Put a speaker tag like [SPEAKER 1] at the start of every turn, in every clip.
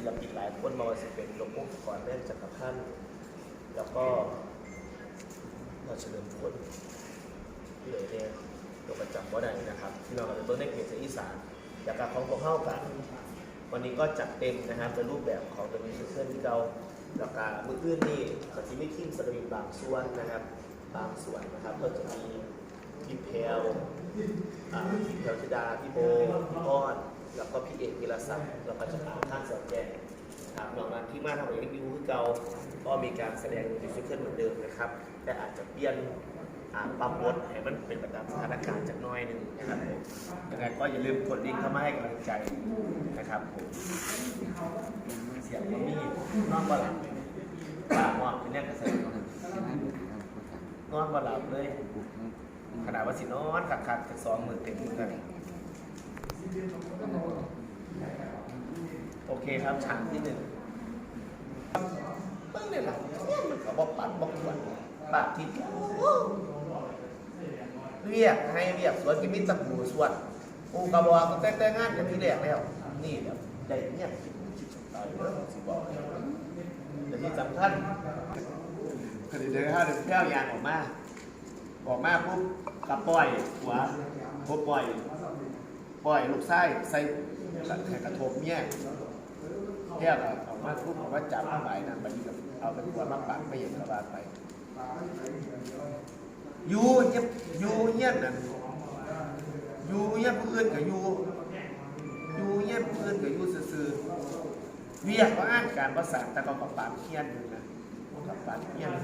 [SPEAKER 1] ลปินหลายคนมาว่าจะเป็นหลวงพ่อก่อนแม่จักรพันธ์แล้วก็เราเฉลิมพลที่เลยเนี่ยเราประจำว่าใดนะครับที่เราจะเบิ้งในเพจอีสานอยากกับของพวกเข้ากันวันนี้ก็จัดเต็มนะครับในรูปแบบของตัวมิวสิคที่เราแล้วก็มืออื่นนี่ก็จะมีทีมสตรีมบางส่วนนะครับบางส่วนนะครับก็จะมีพี่เพลพี่เพลธิดาพี่โบพี่อ้อนแล้วก็พี่เอกวิรศักดิ์แล้วก็จะถามท่านสอนแจงครับนอกนั้นที่มาทำอะไรรีวิวคือเก่าก็มีการแสดงมิวสิคเหมือนเดิมนะครับแต่อาจจะเปลี่ยนปรับบทให้มันเป็นไปตามสถานการณ์จากน้อยหนึ่งนะครับผมยังไงก็อย่าลืมกดลิงก์เข้ามาให้กำลังใจนะครับผมเสียงก็มีนอนบ่หลับป้ามอนเป็นแรกกระแสนอนบ่หลับเลยขนาดว่าสินอนขัดจาก20,000เต็มกันโอเคครับฉากที่1เพิ่งเนี่ยหลังเนี่ยมันก็บอกปัดบอกหวนปากที่เรียกให้เรียกสวนกิมิตะปูสวนปูกระบอกก็แต่งงานกันที่แรกแล้วนี่แบบใจเนี่ยคิดตายเลยสิบอกแต่ที่สำคัญคดีเดินห้าเดินแก้วยางออกมาปุ๊บกับปล่อยหัวปุ๊บปล่อยลูกไส้ใส่กระทบเนี่ยแก้วออกมาปุ๊บออกมาจับมาใบนั่นไปกับเอาเป็นหัวมาปักไปอย่างกระบาดไปอยู่เงี้ยนั่นอยู่เงี้ยผู้อื่นกับอยู่เงี้ยผู้อื่นกับอยู่ซื่อเรียกว่าอ่านการภาษาแต่ก็กับปากเขี้ยนอยู่นะกับปากเขี้ยน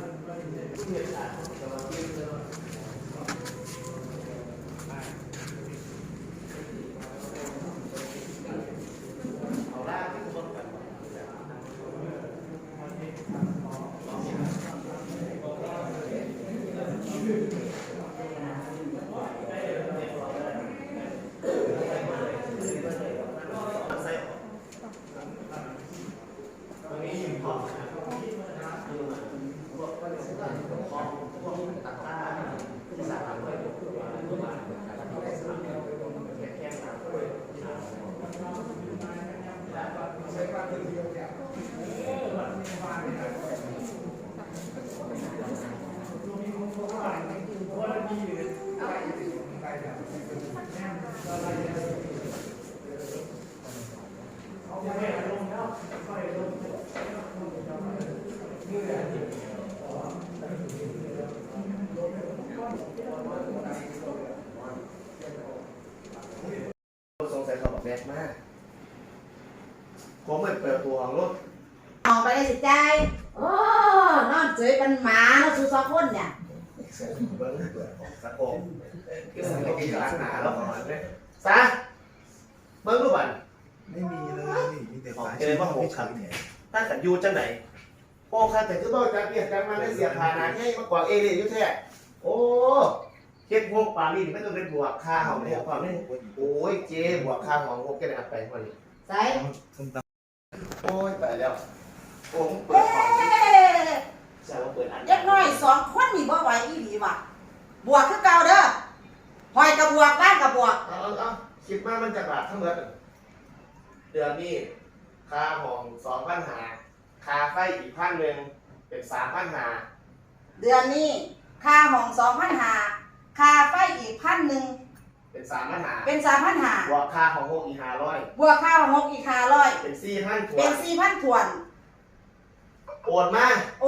[SPEAKER 1] สงสัยเขาบอกแบกมากผมเหมือนเปิดตัวของรถ
[SPEAKER 2] ออกไปได้สิใจโอ้นอนเฉยเป็นหมาแล้วสู้2 คนเนี่ย
[SPEAKER 1] เบิ้งเปิดของสะโพกที่มันไม่กินหลังหนาแล้วของมันเลยซะเบิ้งรูปบัน
[SPEAKER 3] ไม่มีเลยมีแต่ฟ้า
[SPEAKER 1] เจอว่าโหขับถ้าขันยูจังไหนโอ้ขันแต่ก็ต้องจะเปลี่ยนกันมาได้เสียผ่านาให้มากกว่าเอเดยุ่แท้โอ้เก็บพวกปลาลีไม่ต้องเป็นบวกค่าของเนี่ยความนี่โอ้ยเจ๊บวกค่าของพวกแกได้อัดไปวันนี้
[SPEAKER 2] ใส่
[SPEAKER 1] โอ้ยตายแล้วโอ้ผมเปิดของใช่ว่าเปิดอัน
[SPEAKER 2] เด็กน้อย2 คนนี่บ่ไหวอีหลีว่ะบวกคือเก่าเด้อหอยกับบวกบ้านกับบวก
[SPEAKER 1] เอาคิดว่ามันจะบาททั้งหมดเดือนนี้ค่าของ2,500ค่าไฟอีก1,000เป็น3,500
[SPEAKER 2] เดือนนี้ค่าห้อง2,500ค่าไฟอีก1,000
[SPEAKER 1] เป็น3,500
[SPEAKER 2] เป็น3,500
[SPEAKER 1] บวกค่าของ6อีก500
[SPEAKER 2] บวกค่าของ6อีก500
[SPEAKER 1] เป็น4,000
[SPEAKER 2] เป็น 4,000 ถ้วน
[SPEAKER 1] โอนมา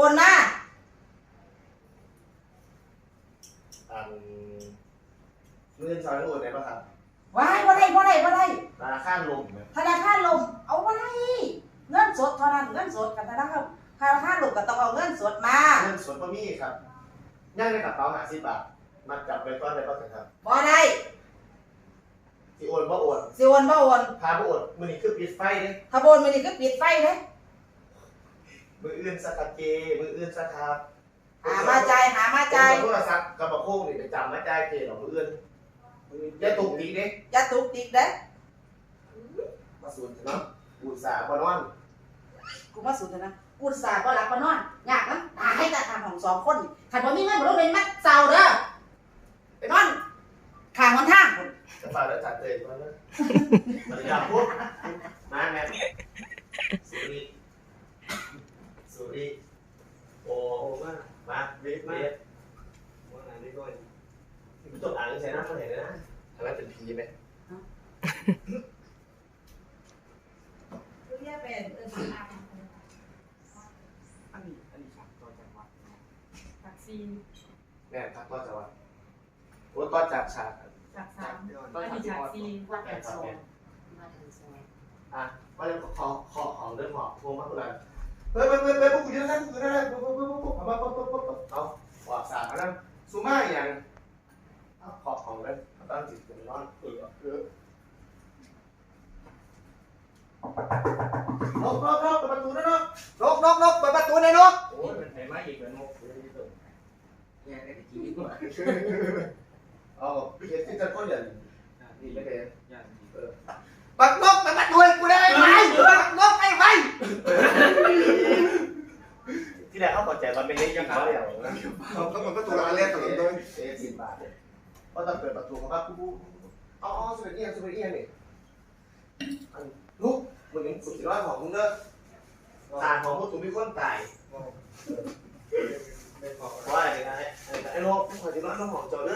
[SPEAKER 1] เงินซอยโอนได้ป่ะครับ
[SPEAKER 2] ว้ายบ่ได้
[SPEAKER 1] ธนาคารลม
[SPEAKER 2] เอาบ่ได้เงินสดเท่านั้นเงินสดกับธนาคารลมก็ต้องเอาเงินสดมา
[SPEAKER 1] เงินสดบ่มีครับย่างในกระเป๋า50 บาทมาจับไว้ก่อนได้ป่ะครับ
[SPEAKER 2] บ่ได้
[SPEAKER 1] สิโอนบ่โอน พาบ่โอนมื้อนี้คือปิดไฟเด้
[SPEAKER 2] ถ้าบ่โอนมื้อนี้คือปิดไฟเด้
[SPEAKER 1] มืออื่นสักเจมืออื่นสักครับ
[SPEAKER 2] หามาจ่าย
[SPEAKER 1] โทรศัพท์กระบอกโค้งนี่ไปจำมาจ่ายเจหรอมืออื่นอย่าตุกติกเด้
[SPEAKER 2] อย่าตุกติกเด้
[SPEAKER 1] มาสูนเนาะอุตส่าห์บ่นอน
[SPEAKER 2] กูมาสูนนะกูอุตส่าห์บ่หลับบ่นอนยากนะตาให้ตาทางของ2 คนคันบ่มีเงินบ่ต้องเป็นมัดเซาเด้อไปนอนข้างหนทางพุ่น
[SPEAKER 1] จะฝากแล้วจัดเลยมาเลยภรรยาพูดมาแม่แม่ทักก็จะว่าโอ้ก็จากฉาก
[SPEAKER 4] จากสาม
[SPEAKER 1] ก็
[SPEAKER 4] อัน
[SPEAKER 1] ฉาก
[SPEAKER 4] นี้
[SPEAKER 1] ที่
[SPEAKER 4] จาก
[SPEAKER 1] ออด
[SPEAKER 4] สี่
[SPEAKER 2] ว่าแถวสองว่าแถวสอง
[SPEAKER 1] อ่ะก็เลยขอของเรื่องหอโทรมาคนละเฮ้ยพวกกูจะได้พวกกูได้พวกเอามาเอาว่าสามนั่นซูม่าอย่างขอของเลยตั้งจิตเป็นร้อนนกเปิดประตูนะนกเปิดประตูเลยนกโอ้ยเป็นไหนมาอีกแล้วนกเนี่ยไอ้ที่นี่ตัวเอาพี่เห็นที่จะก้นอย่างนี่ไม่เป็นปักนกเปิดประตูกูได้ไหมปักนกไอ้ไฟที่แรกเขาเข้าใจมันเป็นเล็กยังไงเดียวนะ
[SPEAKER 3] เขาเหมือนประตูร้านแรกตลอดเลย
[SPEAKER 1] 10 บาทเพราะตอนเปิดประตูเขากูอ๋อสมัยเอียงนี่ลูกมึงเห็นสุดยอดของมึงเด้อตาของมึงถูกมีคนตายว่าอะไรนะไอ้โลกมึงคอยจะร้อนน้ำหอมจอเด้อ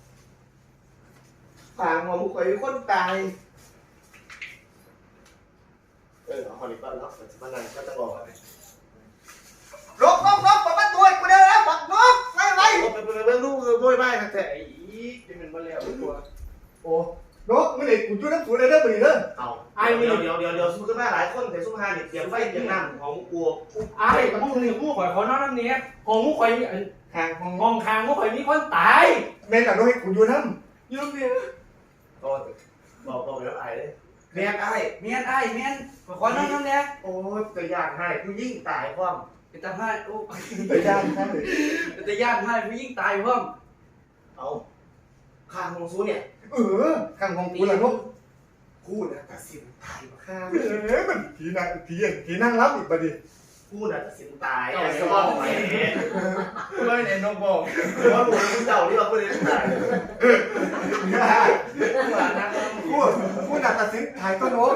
[SPEAKER 1] ตาของมึงคอยมีคนตายเอาคนนี้ก็แล้วมันนั่นก็จะบอกลบเปิดประตูกูเด้อบักนกไว้เบิ่งลูกโวยไม้ครับแต่ไอ้ที่มันมาแล้วตัวโอ้
[SPEAKER 3] นกไม่ได้กูช่วยน้ำสูดเลยเด้อมือเด้อ
[SPEAKER 1] เอาเดี๋ยวสู้ขึ้นมาหลายคนแต่สู้มาเนี่ยเตรียมไฟเตรียมน้ำของกู
[SPEAKER 5] ไอ้พวกนี้พวกข่อยเขานอนน้ำเนี้ยของพวกข่อย
[SPEAKER 3] ห่างของ
[SPEAKER 5] ห้องคางพวกข่อยมีคนตาย
[SPEAKER 3] แม่กับนกให้กูอยู่น้
[SPEAKER 5] อยู่น้ำเนี้ย
[SPEAKER 1] ก็บอกแล้วไอ้เลยแม่ไอ้
[SPEAKER 5] เมียนไอ้เมียนข่อยนอนน้ำเนี้ย
[SPEAKER 1] โอ้ยจะยากให้กูยิ่งตายพร้อม
[SPEAKER 5] เป็นตาให้โอ้
[SPEAKER 3] ำไปย่างท่านเลย
[SPEAKER 5] เป็นตาย่านให้ผู้ยิ่งตายเพิ่ม
[SPEAKER 1] เอาข้างของซูเนี่ย
[SPEAKER 3] ข้างของกูละนก
[SPEAKER 1] พูดนะตัดสินตายมาข้าง
[SPEAKER 3] มันผีนั่งรับอีกบัดดิ
[SPEAKER 1] พูดนะตัดสินตายไอ้สมองไปเนี่ย
[SPEAKER 5] เลยเนี่ยนกบอก
[SPEAKER 1] ว่าหมูเจ้าที่เราพูดเลยตาย
[SPEAKER 3] กูหนักตัดสินถ่ายก็นก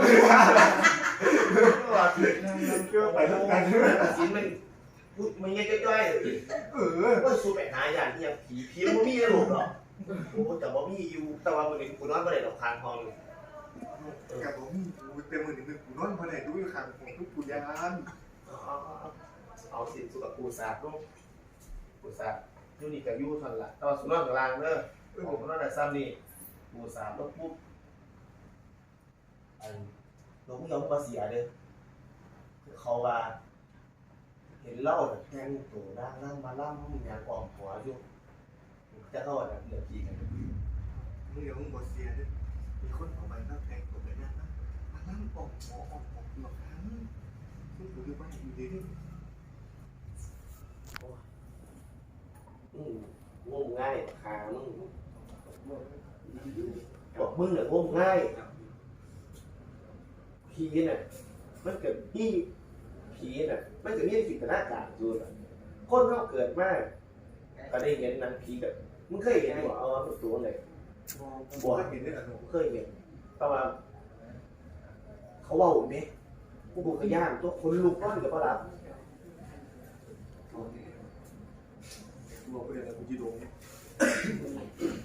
[SPEAKER 3] ไปแล้วกัน
[SPEAKER 1] ตัดสินมันเงี้ยจ้อยว่าสู้ไปหาอย่างที่ยังผีมันมีหลุดหรอโอ้แต่ว่ามีอยู่แต่ว่ามันกูนอนไม่ได้ดอกทางทองเลย
[SPEAKER 3] กับผมกูเต็มมือหนึ่งกูนอนมาไหนดูอยู่ข้างของทุกกูยาน
[SPEAKER 1] เอาสิสุกับปูสาดลูกปูสาดยูนี่กับยูทันละตอนสุนัขกับลางเด้อผมนั่นแหละซ้ำนี่ปูสาดแล้วปุ๊บน้องยังมาเสียเลยเขาว่าเห็นเล่าแบบแทงตัวนั่งมาล่ำมึงอยากออมหัวอยู่จะเข้าแบบเหลือกี่กัน
[SPEAKER 3] มึงเดี๋ยวมึงบอเสียด้วยมีคนเอาไปแล้วแทงตัวไปนั่นนะมานั่งออกหมอออกหลอกทั้งมึงดูบ้านอยู่ดี
[SPEAKER 1] งมง่ายขามึงบอกมึงเนี่ยงมง่ายผีน่ะมันเกิดที่ผีน่ะมันจะมีจินตนาการอยู่น่ะคนเขาเกิดมาก็ได้เห็นหนังผีแบบมึงเคยเห็นบ่เอาตัวไหน
[SPEAKER 3] บัวเห็นได้หรอ
[SPEAKER 1] เคยเห็นแต่ว่าเขาเว่าไหมกูบุกย่านตัวคนลุกนั่นกับปลา
[SPEAKER 3] บอกไปเลยนะกูจีโดงเนี่ย